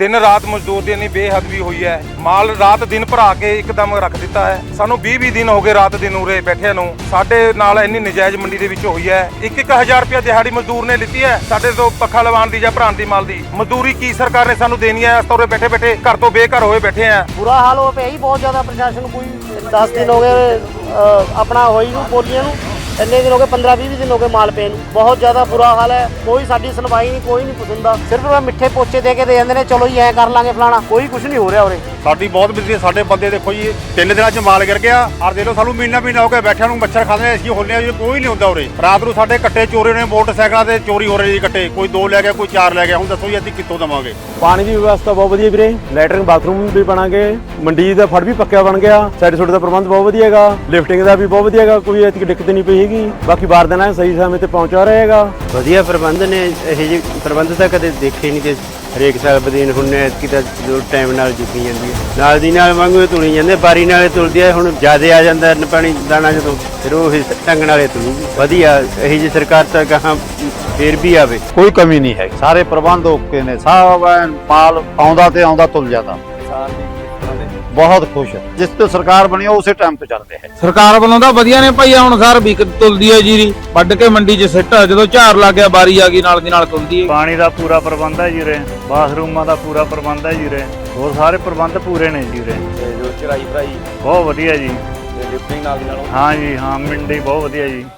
दिन रात मजदूर ਦੀ ਇੰਨੀ ਬੇਹਦਬੀ ਹੋਈ ਹੈ। ਮਾਲ ਰਾਤ ਦਿਨ ਭਰਾ ਕੇ ਇੱਕਦਮ ਰੱਖ ਦਿੱਤਾ ਹੈ। ਸਾਨੂੰ 20 ਦਿਨ ਹੋ ਗਏ ਰਾਤ ਦਿਨ ਉਰੇ ਬੈਠਿਆਂ ਨੂੰ। ਸਾਡੇ ਨਾਲ ਇੰਨੀ ਨਜਾਇਜ਼ ਮੰਡੀ ਦੇ ਵਿੱਚ ਹੋਈ ਹੈ। 1-1000 ਰੁਪਏ ਦਿਹਾੜੀ ਮਜ਼ਦੂਰ ਨੇ ਲਿੱਤੀ ਹੈ ਸਾਡੇ ਤੋਂ ਪੱਖਾ ਲਵਾਉਣ ਦੀ ਜਾਂ ਭਰਾਉਣ ਦੀ ਮਾਲ ਦੀ ਮਜ਼ਦੂਰੀ ਕੀ ਸਰਕਾਰ ਨੇ ਸਾਨੂੰ ਦੇਣੀ ਹੈ। ਅਸੀਂ ਉਰੇ ਬੈਠੇ ਬੈਠੇ ਘਰ ਤੋਂ ਬੇਘਰ ਹੋਏ ਬੈਠੇ ਆ। ਬੁਰਾ ਹਾਲ ਹੋ ਪਿਆ ਜੀ ਬਹੁਤ ਜ਼ਿਆਦਾ। ਪ੍ਰਸ਼ਾਸਨ ਕੋਈ 10 ਦਿਨ ਹੋ ਗਏ ਆਪਣਾ ਹੋਈ ਨੂੰ ਬੋਲੀਆਂ ਨੂੰ, ਇੰਨੇ ਦਿਨ ਹੋ ਗਏ 15-20 ਦਿਨ ਹੋ ਗਏ ਮਾਲ ਪਏ ਨੂੰ। ਬਹੁਤ ਜ਼ਿਆਦਾ ਬੁਰਾ ਹਾਲ ਹੈ। ਕੋਈ ਸਾਡੀ ਸੁਣਵਾਈ ਨਹੀਂ, ਕੋਈ ਨਹੀਂ ਪੁੱਛਦਾ। ਸਿਰਫ ਮਿੱਠੇ ਪੋਚੇ ਦੇ ਕੇ ਦੇ ਜਾਂਦੇ ਨੇ, ਚਲੋ ਜੀ ਐਂ ਕਰ ਲਾਂਗੇ ਫਲਾਣਾ। ਕੋਈ ਕੁਝ ਨਹੀਂ ਹੋ ਰਿਹਾ ਉਰੇ। ਸਾਡੀ ਬਹੁਤ ਬਿਜਲੀ। ਸਾਡੇ ਬੰਦੇ ਦੇਖੋ ਜੀ 3 ਦਿਨਾਂ 'ਚ ਮਾਲ ਗਿਰ ਗਿਆ। ਔਰ ਦੇ ਲੋ ਸਾਨੂੰ ਮਹੀਨਾ ਹੋ ਗਿਆ ਬੈਠਿਆਂ ਨੂੰ। ਮੱਛਰ ਖਾਂਦੇ ਅਸੀਂ ਹੋਲੇ ਜੀ, ਕੋਈ ਨਹੀਂ ਹੁੰਦਾ ਉਰੇ। ਰਾਤ ਨੂੰ ਸਾਡੇ ਕੱਟੇ ਚੋਰੀ ਨੇ, ਮੋਟਰਸਾਈਕਲਾਂ ਤੇ ਚੋਰੀ ਹੋ ਰਹੀ ਜੀ ਕੱਟੇ। ਕੋਈ 2 ਲੈ ਗਿਆ, ਕੋਈ 4 ਲੈ ਗਿਆ। ਹੁਣ ਦੱਸੋ ਜੀ ਅਸੀਂ ਕਿੱਥੋਂ ਦੇਵਾਂਗੇ? ਪਾਣੀ ਦੀ ਵਿਵਸਥਾ ਬਹੁਤ ਵਧੀਆ ਵੀਰੇ। ਲੈਟਰਿੰਗ ਬਾਥਰੂਮ ਵੀ ਬਣਾ ਗਏ। ਮੰਡੀ ਦਾ ਫੜ ਵੀ ਪੱਕਿਆ ਬਣ ਗਿਆ। ਸਾਈਡ ਸੁੱਟ ਦਾ ਪ੍ਰਬੰਧ ਬਹੁਤ ਵਧੀਆ ਹੈਗਾ। ਲਿਫਟਿੰਗ ਦਾ ਵੀ ਬਹੁਤ ਵਧੀਆ ਹੈਗਾ। ਕੋਈ ਐਤਕੀ ਦਿੱਕਤ ਨਹੀਂ ਪਈ ਹੈਗੀ। ਬਾਕੀ ਬਾਰਦਾਨਾ ਸਹੀ ਸਮੇਂ ਤੇ ਪਹੁੰਚਾ ਰਹੇਗਾ। ਵਧੀਆ ਪ੍ਰਬੰਧ ਨੇ। ਇਹ ਜਿਹੇ ਪ੍ਰਬੰਧ ਤਾਂ ਕਦੇ ਦੇਖੇ ਨਹੀਂ ਕਿ ਹਰੇਕ ਸਾਲ ਬਦੀਨ ਹੁਣ ਐਤਕੀ ਤਾਂ ਟਾਈਮ ਨਾਲ ਜੁਕੀ ਜਾਂਦੀ ਹੈ। ਨਾਲ ਦੀ ਨਾਲ ਵਾਂਗੂ ਤੁਲੀ ਜਾਂਦੇ, ਬਾਰੀ ਨਾਲੇ ਤੁਲਦੀ ਹੈ। ਹੁਣ ਜ਼ਿਆਦਾ ਆ ਜਾਂਦਾ ਪਾਣੀ ਦਾਣਾ ਜਦੋਂ, ਫਿਰ ਉਹ ਢੰਗ ਨਾਲੇ ਤੁਲੂਗੀ। ਵਧੀਆ ਇਹੀ ਜਿਹੀ ਸਰਕਾਰ ਤਾਂ ਕਹਾਂ ਫੇਰ ਵੀ ਆਵੇ। ਕੋਈ ਕਮੀ ਨਹੀਂ ਹੈ। ਸਾਰੇ ਪ੍ਰਬੰਧ ਓਕੇ ਨੇ। ਸਭ ਮਾਲ ਆਉਂਦਾ ਤੇ ਆਉਂਦਾ ਤੁਲ ਜਾਂਦਾ। ਬਹੁਤ ਖੁਸ਼। ਜਿਸ ਤੋਂ ਸਰਕਾਰ ਬਣੀ ਉਸੇ ਟਾਈਮ ਤੇ ਚੱਲ ਰਿਹਾ ਹੈ। ਸਰਕਾਰ ਵੱਲੋਂ ਤਾਂ ਵਧੀਆ ਨੇ ਭਾਈ। ਹੁਣ ਸਾਰ ਵੀ ਤੁਲਦੀ ਹੈ ਜੀਰੀ, ਵੱਢ ਕੇ ਮੰਡੀ 'ਚ ਸਿੱਟ। ਜਦੋਂ ਝਾੜ ਲੱਗ ਗਿਆ ਬਾਰੀ ਆ ਗਈ, ਨਾਲ ਦੀ ਨਾਲ ਤੁਲਦੀ ਹੈ। ਪਾਣੀ ਦਾ ਪੂਰਾ ਪ੍ਰਬੰਧ ਹੈ ਜੀ ਰੇ। ਬਾਥਰੂਮਾਂ ਦਾ ਪੂਰਾ ਪ੍ਰਬੰਧ ਹੈ ਜੀ ਰੇ। ਹੋਰ ਸਾਰੇ ਪ੍ਰਬੰਧ ਪੂਰੇ ਨੇ ਜੀ ਰੇ। ਜੋ ਚਰਾਈ ਭਰਾਈ ਬਹੁਤ ਵਧੀਆ ਜੀ। ਲਿਫਟਿੰਗ ਨਾਲ ਦੀ ਨਾਲ ਹਾਂ ਜੀ ਹਾਂ, ਮੰਡੀ ਬਹੁਤ ਵਧੀਆ ਜੀ।